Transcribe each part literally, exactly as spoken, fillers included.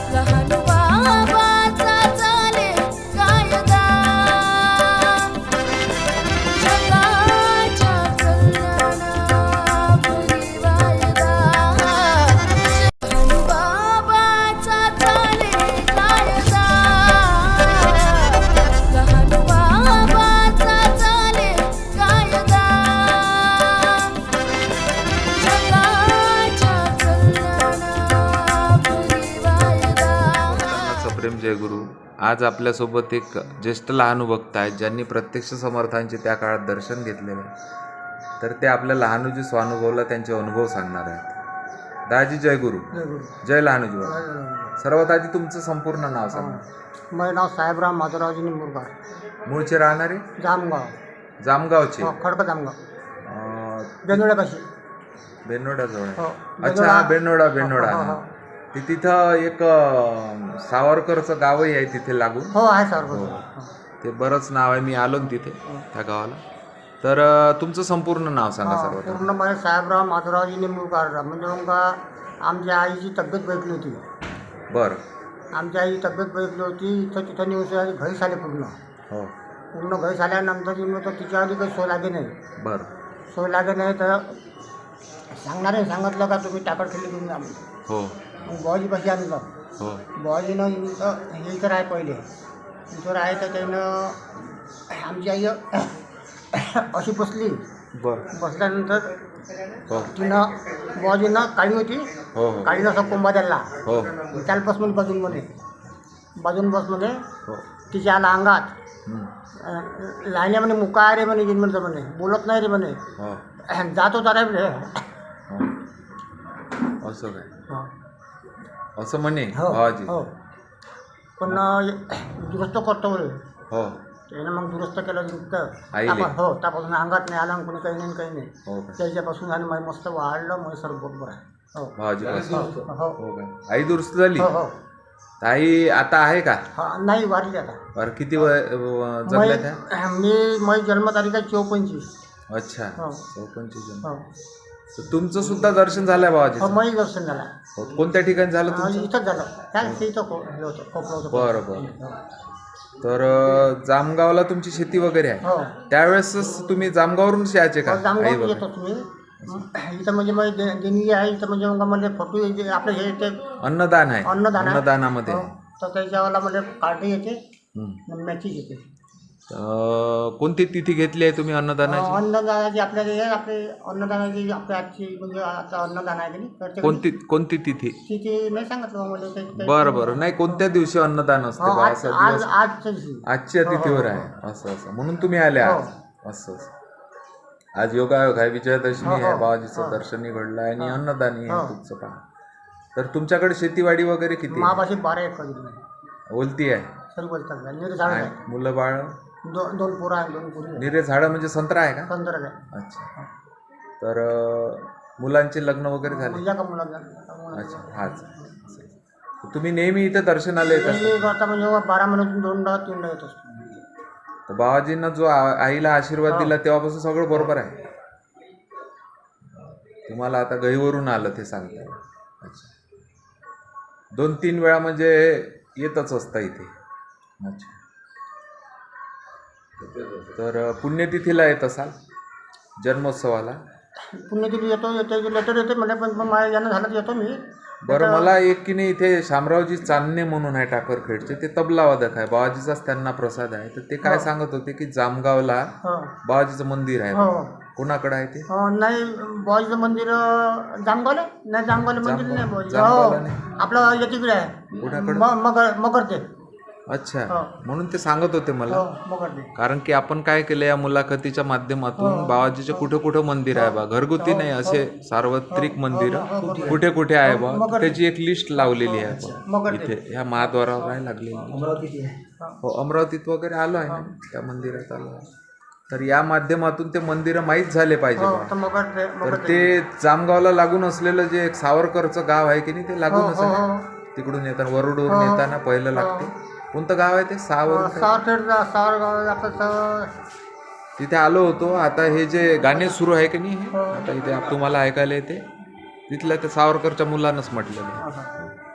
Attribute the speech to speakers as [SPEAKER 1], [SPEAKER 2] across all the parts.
[SPEAKER 1] लहान बाबाचा चाले कायदा जगाच्या कल्याणापुरी वायदा लहान बाबाचा चाले कायदा लहान बाबाचा चाले कायदा
[SPEAKER 2] प्रेम जय गुरु. आज आपल्यासोबत एक ज्येष्ठ लहानुभक्त आहेत ज्यांनी प्रत्यक्ष समर्थांचे त्या काळात दर्शन घेतलेले आहे. तर ते आपल्या लहानूजी स्वानुभवला त्यांचे अनुभव सांगणार आहेत. दाजी जय गुरु. जय लहानूजी बाबा. सर्वात आधी तुमचं संपूर्ण नाव सांगा.
[SPEAKER 3] माझं नाव साहेबराव माधवरावजी निंबूरकर.
[SPEAKER 2] मूळचे राहणारे
[SPEAKER 3] जामगाव.
[SPEAKER 2] जामगावचे.
[SPEAKER 3] खडक जामगाव.
[SPEAKER 2] अं,
[SPEAKER 3] बेनोड्यापाशी.
[SPEAKER 2] बेनोड्याजवळ आहे.
[SPEAKER 3] हो.
[SPEAKER 2] अच्छा हा बेनोडा बेनोडा
[SPEAKER 3] हो, हो, हो.
[SPEAKER 2] ते तिथं एक अं, सावरकरचं गावही आहे तिथे लागून.
[SPEAKER 3] हो आहे सर.
[SPEAKER 2] हो. ते बरंच नाव आहे. मी आलो ना तिथे त्या गावाला. तर अं, तुमचं संपूर्ण नाव सांगा सर्वात.
[SPEAKER 3] पूर्ण माझे साहेबराव माधवरावजी निंबूरकर. म्हणजे मग आमच्या आईची तब्येत बैठली होती.
[SPEAKER 2] बरं.
[SPEAKER 3] आमच्या आईची तब्येत बैठली होती. इथं तिथं नेऊन घरी आले पूर्ण.
[SPEAKER 2] हो.
[SPEAKER 3] पूर्ण घरी आल्यानंतर मग तर तिच्या आधी काही सोय लागे नाही.
[SPEAKER 2] बरं.
[SPEAKER 3] सोय लागे नाही तर सांगणारे सांगितलं का तुम्ही टाकड खेळली तुम्ही आम्ही.
[SPEAKER 2] हो.
[SPEAKER 3] मग बुवाजीपाशी आणलं.
[SPEAKER 2] हो.
[SPEAKER 3] बुवाजीनं इथं हे इथं आहे पहिले. इथं आहे तर त्यानं आमची आई अशी बसली.
[SPEAKER 2] बरं.
[SPEAKER 3] बसल्यानंतर
[SPEAKER 2] हो.
[SPEAKER 3] तिनं बुवाजीनं काळी होती.
[SPEAKER 2] हो. हो.
[SPEAKER 3] काळीनं असं कोंबा द्यायला.
[SPEAKER 2] हो.
[SPEAKER 3] त्याला बस म्हणे बाजूंमध्ये. बाजून बस म्हणे.
[SPEAKER 2] हो.
[SPEAKER 3] तिच्या आला अंगात
[SPEAKER 2] हं.
[SPEAKER 3] लाईन्या म्हणे मुका आहे रे म्हणे जिनमनचं म्हणे. बोलत नाही रे म्हणे.
[SPEAKER 2] हो.
[SPEAKER 3] जात होता रे म्हणे.
[SPEAKER 2] हो. असं काय
[SPEAKER 3] हो.
[SPEAKER 2] असं म्हणे
[SPEAKER 3] हो.
[SPEAKER 2] बाबाजी.
[SPEAKER 3] हो. पण दुरुस्त करतो म्हणे.
[SPEAKER 2] हो.
[SPEAKER 3] त्यानं मग दुरुस्त केलं
[SPEAKER 2] आईले?
[SPEAKER 3] त्यापा हो त्यापासून अंगात नाही आलं कोणी काही नाही काही नाही.
[SPEAKER 2] हो का?
[SPEAKER 3] त्याच्यापासून आणि मग मस्त वाढलं मग सर्व बरोबर आहे. हो.
[SPEAKER 2] बाबाजी पासून.
[SPEAKER 3] हो. हो.
[SPEAKER 2] हो काय? आई दुरुस्त झाली.
[SPEAKER 3] हो. हो.
[SPEAKER 2] आई आता आहे का?
[SPEAKER 3] हा नाही वाढली आता.
[SPEAKER 2] बरं. किती वय अं, जगल्या त्या?
[SPEAKER 3] मै- मी माझी जन्मतारीख आहे चौपंचवीस.
[SPEAKER 2] अच्छा.
[SPEAKER 3] हो.
[SPEAKER 2] चौपन्नची जण.
[SPEAKER 3] हो.
[SPEAKER 2] तर तुमचं सुद्धा दर्शन झालंय बाबाजी.
[SPEAKER 3] हो माझी दर्शन झालं.
[SPEAKER 2] कोणत्या ठिकाणी झालं
[SPEAKER 3] हा,
[SPEAKER 2] तुमचं?
[SPEAKER 3] इथंच झालं. त्या इथं को- हे होतं खोपलं होतं.
[SPEAKER 2] बरं बरं. तर अं, जामगावला तुमची शेती वगैरे आहे.
[SPEAKER 3] हो.
[SPEAKER 2] त्यावेळेसच तुम्ही जामगावरून यायचे का? आई
[SPEAKER 3] जामगाव
[SPEAKER 2] वगैरे.
[SPEAKER 3] येतो तुम्ही. इथं म्हणजे माझी दे- देणगी आहे. इथं म्हणजे मग म्हणजे फोटो येते आपलं हे ते
[SPEAKER 2] अन्नदान आहे.
[SPEAKER 3] अन्नदान आहे.
[SPEAKER 2] अन्नदानामध्ये.
[SPEAKER 3] हो. तर त्याच्यावाला म्हणजे कार्ड येते.
[SPEAKER 2] हं.
[SPEAKER 3] मॅचेस येते.
[SPEAKER 2] अं, कोणती तिथी घेतली आहे तुम्ही अन्नदानाची?
[SPEAKER 3] अन्नदानाची आपल्याला हे आपले अन्नदानाची आपल्या आजची म्हणजे आता अन्नदान आहे की नाही तर ते
[SPEAKER 2] कोणती कोणती तिथी?
[SPEAKER 3] तिथे नाही सांगितलं बा मला ते- ते-
[SPEAKER 2] बरं बरं. नाही कोणत्या दिवशी अन्नदान असते
[SPEAKER 3] हो,
[SPEAKER 2] बा
[SPEAKER 3] आज
[SPEAKER 2] असा
[SPEAKER 3] आज
[SPEAKER 2] दिवस?
[SPEAKER 3] आजच्या दिवशी.
[SPEAKER 2] आजच्या
[SPEAKER 3] हो, हो,
[SPEAKER 2] तिथीवर
[SPEAKER 3] हो.
[SPEAKER 2] आहे. असं असं म्हणून तुम्ही आले
[SPEAKER 3] हो.
[SPEAKER 2] आज. असं असं. आज योगायोग आहे. विजयादशमी
[SPEAKER 3] हो, हो.
[SPEAKER 2] आहे. बाबाजीचं
[SPEAKER 3] हो.
[SPEAKER 2] दर्शनही घडलं आहे आणि अन्नदानही
[SPEAKER 3] हो.
[SPEAKER 2] आहे तुमचं पहा. तर तुमच्याकडे शेतीवाडी वगैरे किती आहे?
[SPEAKER 3] महापाशी बारा एकर जमीन आहे.
[SPEAKER 2] ओलती आहे.
[SPEAKER 3] सर्व बोलतात निरे झाड
[SPEAKER 2] आणि
[SPEAKER 3] आहे.
[SPEAKER 2] मुलं बाळ?
[SPEAKER 3] दोन दोन पोरं आहे दोन पोरी आहे.
[SPEAKER 2] निरे झाडं म्हणजे संत्रा आहे का?
[SPEAKER 3] पंधरा आहे.
[SPEAKER 2] अच्छा. तर अं, मुलांचे लग्न वगैरे झाले?
[SPEAKER 3] मुलगा का मुलगा?
[SPEAKER 2] अच्छा. हाच. तर तुम्ही नेहमी इथे दर्शनाला येत असता?
[SPEAKER 3] मी करता म्हणजे बारा महिन्यातून दोनदा तीनदा येत असतो.
[SPEAKER 2] तर बाबाजींना जो आ- आईला आशीर्वाद
[SPEAKER 3] हो.
[SPEAKER 2] दिला तेव्हापासून सगळं बरोबर आहे. तुम्हाला आता गहीवरून आलं ते सांगताय. अच्छा. दोन तीन वेळा म्हणजे येतच असता इथे. अच्छा. तर पुण्यतिथीला येत असाल जन्मोत्सवाला?
[SPEAKER 3] पुण्यतिथी येतो येतो लेटर येते म्हणे पण पण माझ्या यानं झालं तर येतो मी.
[SPEAKER 2] बरं. मला एक की नाही इथे शामरावजी चांदणे म्हणून आहे टाकरखेडचे. ते तबला वादक आहे. बाबाजीचाच त्यांना प्रसाद आहे. तर ते काय सांगत होते की जामगावला
[SPEAKER 3] हो.
[SPEAKER 2] बाबाजीचं मंदिर आहे.
[SPEAKER 3] हो.
[SPEAKER 2] कोणाकडे आहे ते?
[SPEAKER 3] हो, नाही बुवाजीचं मंदिर अं, जामगावला नाही जामगावला मंदिर
[SPEAKER 2] जामगाव-
[SPEAKER 3] नाही बुवाजी.
[SPEAKER 2] जामगावला
[SPEAKER 3] हो
[SPEAKER 2] नाही.
[SPEAKER 3] आपलं याच्याकडे आहे.
[SPEAKER 2] कुणाकडे?
[SPEAKER 3] म- मगर मगर ते.
[SPEAKER 2] अच्छा.
[SPEAKER 3] हो.
[SPEAKER 2] म्हणून ते सांगत होते मला.
[SPEAKER 3] हो मगर ते.
[SPEAKER 2] कारण की आपण काय केलं या मुलाखतीच्या माध्यमातून बाबाजीचे कुठे कुठे मंदिर आहे बा. घरगुती नाही असे सार्वत्रिक मंदिर कुठे कुठे आहे बा. त्याची एक लिस्ट लावलेली आहे बा.
[SPEAKER 3] मगर ते.
[SPEAKER 2] इथे ह्या महाद्वारावर आहे लागलेली.
[SPEAKER 3] अमरावती आहे.
[SPEAKER 2] हो. अमरावतीत वगैरे आलो आहे ना त्या मंदिरात आलो आहे. तर या माध्यमातून ते मंदिरं माहीत झाले पाहिजे
[SPEAKER 3] हो
[SPEAKER 2] बा.
[SPEAKER 3] तर मगर ते
[SPEAKER 2] तर
[SPEAKER 3] मगर ते.
[SPEAKER 2] ते जामगावला लागून असलेलं जे एक सावरकरचं गाव आहे की नाही ते
[SPEAKER 3] हो
[SPEAKER 2] लागूनच
[SPEAKER 3] हो
[SPEAKER 2] आहे.
[SPEAKER 3] हो.
[SPEAKER 2] तिकडून येताना वरुडवरून येताना पहिलं लागते. कोणतं गाव आहे ते? सावर
[SPEAKER 3] सावरखेड सावरगाव आपलं स-
[SPEAKER 2] तिथे आलो होतो. आता हे जे गाणे सुरू आहे की नाही हे, आता इथे आप- तुम्हाला ऐकायला येते तिथल्या त्या सावरकरच्या मुलांनाच म्हटलेलं आहे.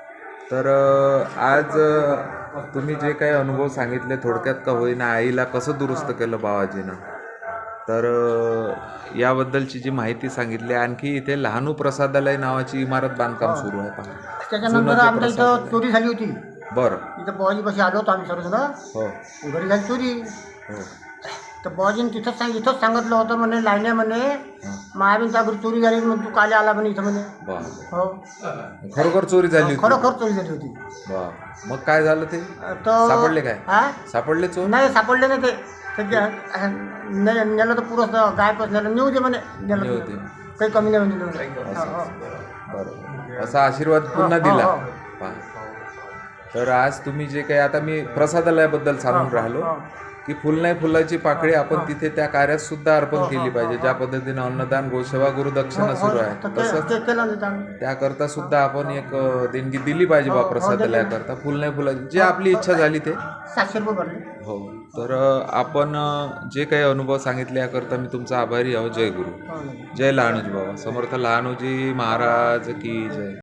[SPEAKER 2] तर अ, आज अ, तुम्ही जे काही अनुभव सांगितले थोडक्यात का होईना आईला कसं दुरुस्त केलं बाबाजीनं, तर अ, याबद्दलची जी माहिती सांगितली. आणखी इथे लहानू प्रसादालय नावाची इमारत बांधकाम सुरू आहे पहा.
[SPEAKER 3] त्याच्यानंतर
[SPEAKER 2] जुनं ते
[SPEAKER 3] आमच्या इथं
[SPEAKER 2] प्रसादालय.
[SPEAKER 3] चोरी झाली होती.
[SPEAKER 2] बरं.
[SPEAKER 3] इथं बुवाजीपाशी आलो होतो आम्ही सर्वजण.
[SPEAKER 2] हो
[SPEAKER 3] घरी झाली चोरी.
[SPEAKER 2] हो
[SPEAKER 3] तर बुवाजीने तिथंच सांग इथंच सांगितलं होतं म्हणे लाईन्या म्हणे
[SPEAKER 2] हां.
[SPEAKER 3] महावीरच्या घरी चोरी झाली मग तू काले आला म्हणे इथं म्हणे.
[SPEAKER 2] बरं.
[SPEAKER 3] हो
[SPEAKER 2] खरोखर चोरी झाली होती.
[SPEAKER 3] खरोखर चोरी झाली होती.
[SPEAKER 2] बरं. मग काय झालं ते
[SPEAKER 3] तर
[SPEAKER 2] सापडले काय?
[SPEAKER 3] हा
[SPEAKER 2] सापडले चोर?
[SPEAKER 3] नाही सापडले नाही ते. ते जे- ने- नेलं तर पुरं गाय पण नेलं नेऊ दे म्हणे. नेलं
[SPEAKER 2] नेऊ
[SPEAKER 3] तर.
[SPEAKER 2] दे.
[SPEAKER 3] काही कमी नाही म्हणजे म्हणे. हो, हो.
[SPEAKER 2] बरोबर. असा आशीर्वाद पुन्हा
[SPEAKER 3] हो,
[SPEAKER 2] दिला.
[SPEAKER 3] हो.
[SPEAKER 2] पहा. तर आज तुम्ही जे काही आता मी प्रसादालयाबद्दल सांगून राहिलो
[SPEAKER 3] हो.
[SPEAKER 2] की फुल नाही फुलाची पाकळी आपण तिथे त्या कार्यात सुद्धा अर्पण
[SPEAKER 3] हो,
[SPEAKER 2] केली
[SPEAKER 3] हो,
[SPEAKER 2] पाहिजे.
[SPEAKER 3] हो,
[SPEAKER 2] ज्या पद्धतीने अन्नदान गोसेवा गुरुदक्षिणा
[SPEAKER 3] हो,
[SPEAKER 2] सुरू
[SPEAKER 3] हो.
[SPEAKER 2] आहे
[SPEAKER 3] तर ते-
[SPEAKER 2] तसंच
[SPEAKER 3] ते केलं नाही त्यांनी.
[SPEAKER 2] त्याकरता सुद्धा आपण एक अ, देणगी दिली पाहिजे
[SPEAKER 3] हो,
[SPEAKER 2] बा
[SPEAKER 3] हो,
[SPEAKER 2] प्रसादालयाकरता. फुल नाही फुलाची जी आपली इच्छा झाली ते.
[SPEAKER 3] सातशे रुपये भरले.
[SPEAKER 2] हो. तर अ, आपण अ, जे काही अनुभव सांगितले याकरता मी तुमचा आभारी आहो. जय गुरु.
[SPEAKER 3] हो.
[SPEAKER 2] जय लहानूजी बाबा. समर्थ लहानूजी महाराज की जय.